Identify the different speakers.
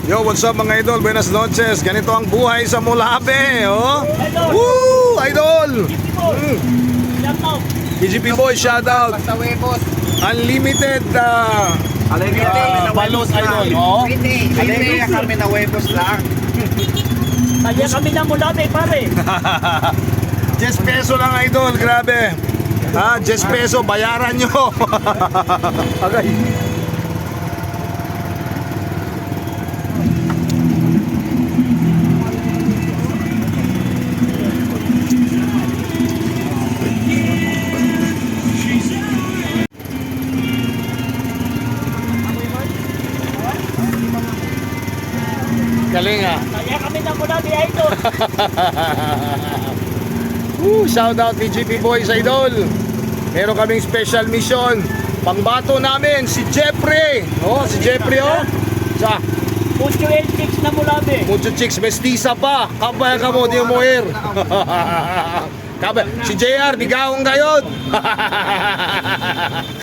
Speaker 1: Yo, what's up mga idol? Buenas noches. Ganito ang buhay sa Mulabe, oh. Woo! Idol! TGP Boy, shoutout.
Speaker 2: Basta huevos.
Speaker 1: Unlimited balot, idol. Oh.
Speaker 2: Hindi kami na huevos lang.
Speaker 3: Kaya kami na Mulabe, pare.
Speaker 1: 10 peso lang, idol. Grabe. 10 peso, bayaran nyo. Agay. Galing ah.
Speaker 3: Kaya kami na Mulabe, idol.
Speaker 1: Shout out TGP Boys, idol. Meron kaming special mission. Pangbato namin si Jeffrey. Oh, si Jeffrey oh. Sa
Speaker 3: Mucho el chicks na Mulabe.
Speaker 1: mucho chicks mestiza pa. Kabaya ka mo, di mo muir. Kabaya. Si JR, di gaong gayod.